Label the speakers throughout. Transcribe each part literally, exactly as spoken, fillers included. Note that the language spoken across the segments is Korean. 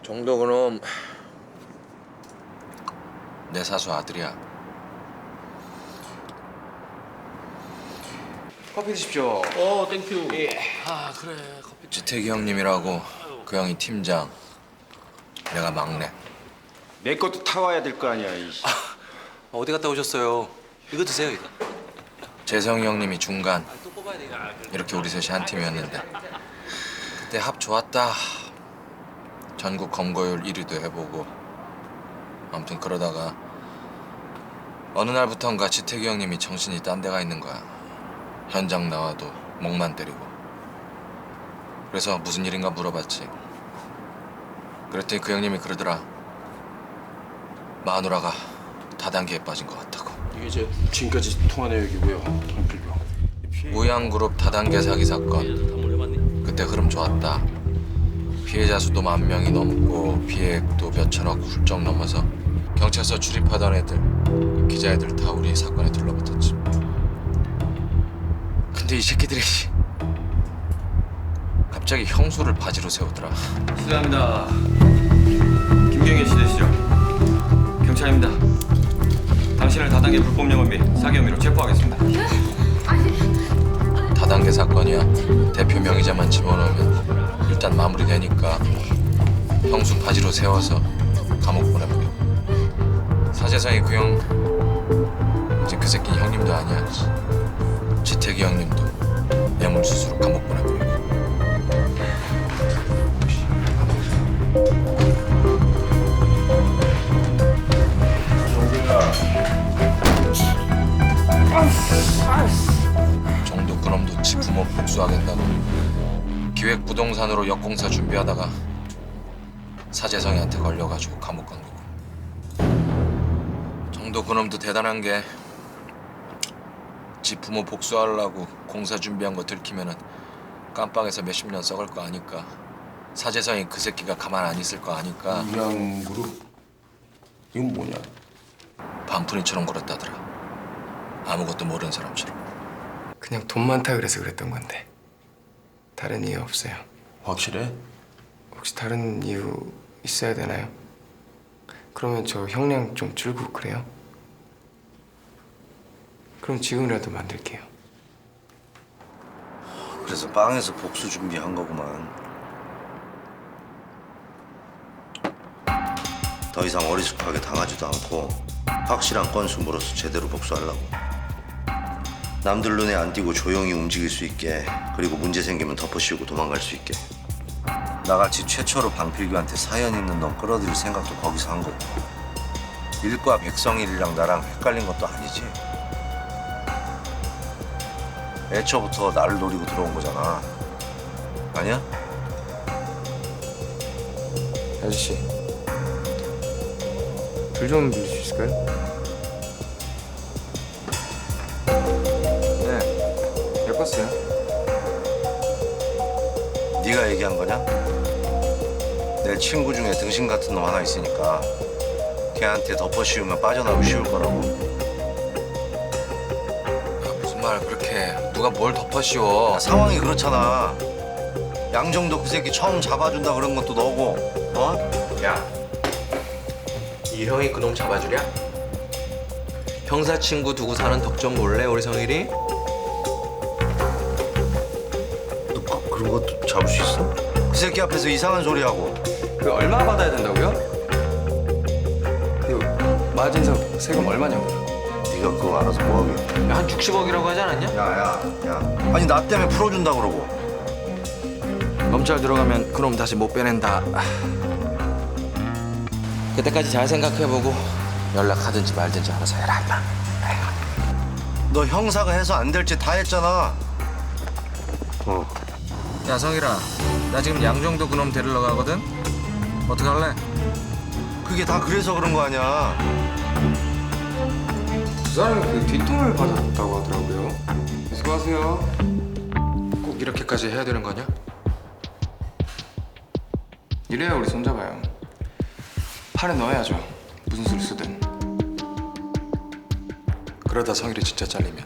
Speaker 1: 정도 그놈 내 사수 아들이야.
Speaker 2: 커피 드십시오.
Speaker 3: 어, 땡큐.
Speaker 2: 예.
Speaker 3: 아, 그래. 커피.
Speaker 1: 지태기 형님이라고 그 형이 팀장, 내가 막내.
Speaker 2: 내 것도 타와야 될 거 아니야. 이씨.
Speaker 3: 어디 갔다 오셨어요? 이거 드세요, 이거.
Speaker 1: 재성이 형님이 중간.
Speaker 3: 또 뽑아야 돼.
Speaker 1: 이렇게 우리 셋이 한 팀이었는데 그때 합 좋았다. 전국 검거율 일 위도 해보고. 아무튼 그러다가 어느 날부턴가 지태기 형님이 정신이 딴 데가 있는 거야. 현장 나와도 목만 때리고. 그래서 무슨 일인가 물어봤지. 그랬더니 그 형님이 그러더라. 마누라가 다단계에 빠진 것 같다고.
Speaker 4: 이게 이제 지금까지 통화 내역이고요. 방필병.
Speaker 1: 무양그룹 다단계 사기 사건. 그때 흐름 좋았다. 피해자 수도 만 명이 넘고 피해액도 몇천억 훌쩍 넘어서 경찰서 출입하던 애들, 그 기자애들 다 우리 사건에 들러붙었지. 근데 이 새끼들이 갑자기 형수를 바지로 세우더라.
Speaker 2: 실례합니다. 김경일 씨 되시죠? 경찰입니다. 당신을 다단계 불법 영업비 사기 혐의로 체포하겠습니다.
Speaker 1: 다단계 사건이야. 대표 명의자만 집어넣으면 일단 마무리되니까 형수 바지로 세워서 감옥 보내버려. 사재상이 그 형, 이제 그 새끼는 형님도 아니야. 지태기 형님도 뇌물수수로 감옥 보내버리고. 정도 그놈도 지 부모 복수하겠다고 기획부동산으로 역공사 준비하다가 사재성이한테 걸려가지고 감옥 간 거고. 정도 그놈도 대단한 게 지 부모 복수하려고 공사 준비한 거 들키면은 깜빵에서 몇십 년 썩을 거 아니까 사재성이 그 새끼가 가만 안 있을 거 아니까
Speaker 4: 무양그룹 이건 뭐냐?
Speaker 1: 반푼이처럼 굴었다더라. 아무것도 모르는 사람처럼.
Speaker 5: 그냥 돈 많다 그래서 그랬던 건데 다른 이유 없어요.
Speaker 4: 확실해?
Speaker 5: 혹시 다른 이유 있어야 되나요? 그러면 저 형량 좀 줄고 그래요? 그럼 지금이라도 만들게요.
Speaker 6: 그래서 빵에서 복수 준비한 거구만. 더 이상 어리숙하게 당하지도 않고 확실한 건수 물어서 제대로 복수하려고. 남들 눈에 안 띄고 조용히 움직일 수 있게, 그리고 문제 생기면 덮어씌우고 도망갈 수 있게. 나같이 최초로 방필규한테 사연 있는 놈 끌어들일 생각도 거기서 한 거고. 일과 백성일이랑 나랑 헷갈린 것도 아니지. 애초부터 나를 노리고 들어온 거잖아. 아니야?
Speaker 5: 아저씨 불 좀 빌릴 수 있을까요? 네 예뻤어요.
Speaker 6: 네가 얘기한 거냐? 내 친구 중에 등신 같은 놈 하나 있으니까 걔한테 덮어씌우면 빠져나오기 쉬울 거라고.
Speaker 1: 야, 무슨 말 그렇게 해. 누가 뭘 덮어씌워.
Speaker 6: 야, 상황이 그렇잖아. 양정도 그 새끼 처음 잡아준다 그런 것도 너고, 어?
Speaker 1: 야, 이 형이 그놈 잡아주랴? 형사 친구 두고 사는 덕점 몰래 우리 성일이?
Speaker 6: 너 그, 그런 것도 잡을 수 있어? 그 새끼 앞에서 이상한 소리 하고.
Speaker 5: 그 얼마 받아야 된다고요? 그 마진석 세금 얼마냐고요?
Speaker 6: 네가 그거 알아서 뭐하게.
Speaker 1: 야, 한 육십억이라고 하지 않았냐?
Speaker 6: 야야 야. 아니 나 때문에 풀어준다 그러고.
Speaker 1: 검찰 들어가면 그놈 다시 못 빼낸다. 그때까지 잘 생각해보고 연락하든지 말든지 알아서 해라 임마.
Speaker 6: 너 형사가 해서 안 될 짓 다 했잖아. 어.
Speaker 1: 야 성일아, 나 지금 양정도 그놈 데리러 가거든? 어떡할래?
Speaker 6: 그게 다 그래서 그런 거 아니야.
Speaker 5: 그 사람이 그 뒷돈을 받았다고 하더라고요. 수고하세요.
Speaker 1: 꼭 이렇게까지 해야 되는 거냐?
Speaker 5: 이래야 우리 손잡아요. 팔에 넣어야죠. 무슨 수를 쓰든.
Speaker 1: 그러다 성일이 진짜 잘리면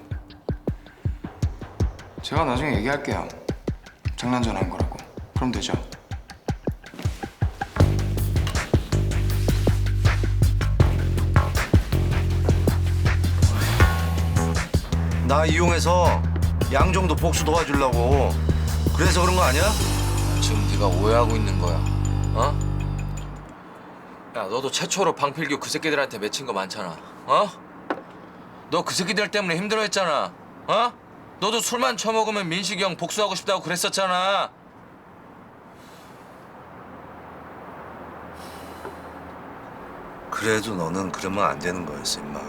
Speaker 5: 제가 나중에 얘기할게요. 장난 전화한 거라고. 그럼 되죠.
Speaker 6: 나 이용해서 양정도 복수 도와주려고. 그래서 그런 거 아니야?
Speaker 1: 지금 네가 오해하고 있는 거야. 어? 야, 너도 최초로 방필규 그 새끼들한테 맺힌 거 많잖아. 어? 너 그 새끼들 때문에 힘들어했잖아. 어? 너도 술만 처먹으면 민식이 형 복수하고 싶다고 그랬었잖아.
Speaker 6: 그래도 너는 그러면 안 되는 거였어, 임마.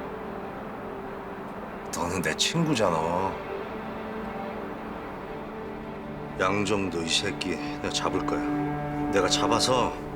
Speaker 6: 너는 내 친구잖아. 양정도 이 새끼 내가 잡을 거야. 내가 잡아서